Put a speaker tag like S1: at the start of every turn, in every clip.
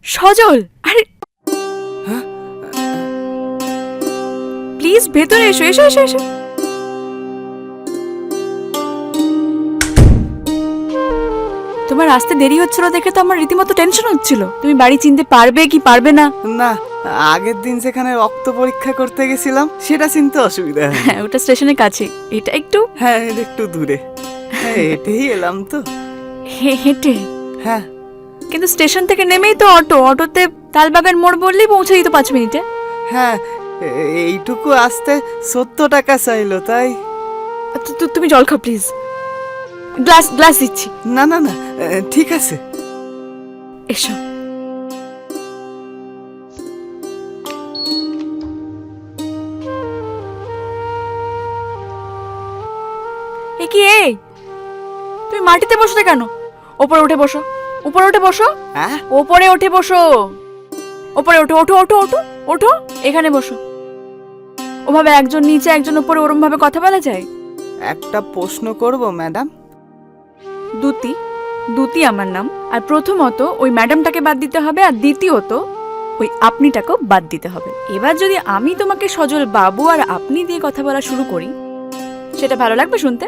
S1: সজল, আরে প্লিজ ভেতরে এসো, এসো এসো এসো। তোমার আসতে দেরি হচ্ছিল দেখে তো আমার রীতিমতো টেনশন হচ্ছিল, তুমি বাড়ি চিনতে পারবে কি পারবে না।
S2: না, আগের দিন যেখানে রক্ত পরীক্ষা করতে গেছিলাম সেটা চিনতে অসুবিধা হয়।
S1: হ্যাঁ, ওটা স্টেশনের কাছে, এটা একটু
S2: হ্যাঁ, এটা একটু দূরে। হ্যাঁ, হেঁটেই এলাম তো।
S1: হেঁটে?
S2: হ্যাঁ,
S1: কিন্তু স্টেশন থেকে নেমেই তো অটো, অটোতে তালবাগান মোড় বললেই পৌঁছে দিত 5 মিনিটে।
S2: হ্যাঁ, এইটুকু আসতে 70 টাকা চাইলো, তাই।
S1: তুমি জল খাও প্লিজ, গ্লাস গ্লাস দিচ্ছি।
S2: না না না, ঠিক আছে।
S1: এসো। এ কি, এই তুমি মাটিতে বসতে কেন? ওপরে উঠে বসো, উপরে উঠে বসো।
S2: হ্যাঁ,
S1: ওপরে উঠে বসো, ওপরে ওঠো, ওঠো ওঠো ওঠো ওঠো, এখানে বসো। ওভাবে একজন নিচে একজন উপরে ওরম ভাবে কথা বলা যায়?
S2: একটা প্রশ্ন করব ম্যাডাম?
S1: দুতি, দুতি আমার নাম। আর প্রথমত ওই ম্যাডামটাকে বাদ দিতে হবে, আর দ্বিতীয়ত ওই আপনিটাকেও বাদ দিতে হবে। এবার যদি আমি তোমাকে সজল বাবু আর আপনি দিয়ে কথা বলা শুরু করি, সেটা ভালো লাগবে শুনতে?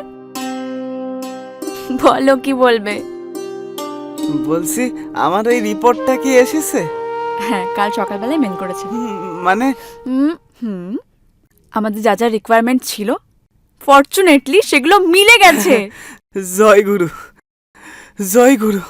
S1: বলো কি বলবে?
S2: বলছি, আমার এই রিপোর্টটা কি এসেছে?
S1: হ্যাঁ, কাল সকালবেলায় মেল করেছে।
S2: মানে
S1: হুম হুম, আমাদের যা যা রিকোয়ারমেন্ট ছিল ফরচুনেটলি সেগুলো মিলে গেছে।
S2: জয় গুরু, জয় গুরু।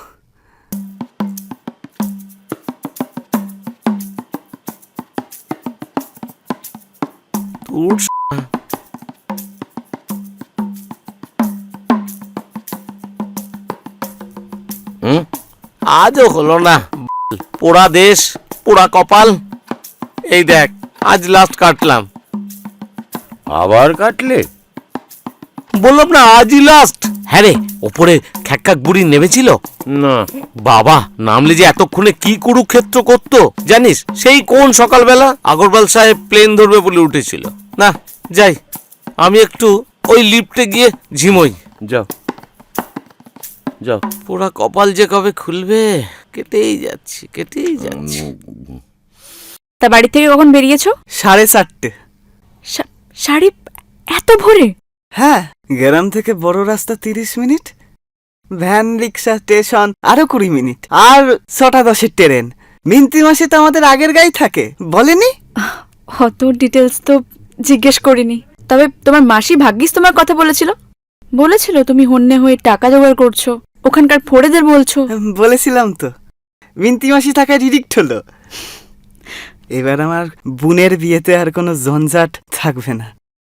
S3: আজও হলো না, পোড়া দেশ, পোড়া কপাল। এই দেখ, আজ লাস্ট কাটলাম।
S4: আবার কাটলে?
S3: বললাম না আজই লাস্ট। হ্যাঁ রে, ওপরে খ্যাক্কাক বুড়ি নেমেছিল
S4: না।
S3: বাবা, নামলে যে এতক্ষণে কি কুরুক্ষেত্র করতো জানিস? সেই কোন সকালবেলা আগরওয়াল সাহেব প্লেন ধরবে বলে উঠেছিল। না যাই, আমি একটু ওই লিফটে গিয়ে ঝিমোই।
S4: যাও যাও।
S3: পোড়া কপাল যে কবে খুলবে, কেটেই যাচ্ছি কেটেই যাচ্ছি।
S1: তা বাড়ি থেকে কখন বেরিয়েছো?
S2: 4:30।
S1: শাড়ি এত ভোরে?
S2: হ্যাঁ, গ্রাম থেকে বড় রাস্তা 30 মিনিট, ভ্যান রিক্সা স্টেশন আরো 20 মিনিট, আর 6:10 ট্রেন। মিন্তি মাসে তো আমাদের আগের গাই থাকে, বলেনি?
S1: অত ডিটেলস তো জিজ্ঞেস করিনি। তবে তোমার মাসি ভাগ্যিস তোমার কথা বলেছিল, বলেছিল তুমি হন্যে হয়ে টাকা জোগাড় করছো, ওখানকার ফোড়েদের বলছো।
S2: বলেছিলাম তো, মিন্তি মাসি থাকা ডিরেক্ট হলো। এবার আমার বোনের বিয়েতে আর কোনো ঝঞ্ঝাট থাকবে না।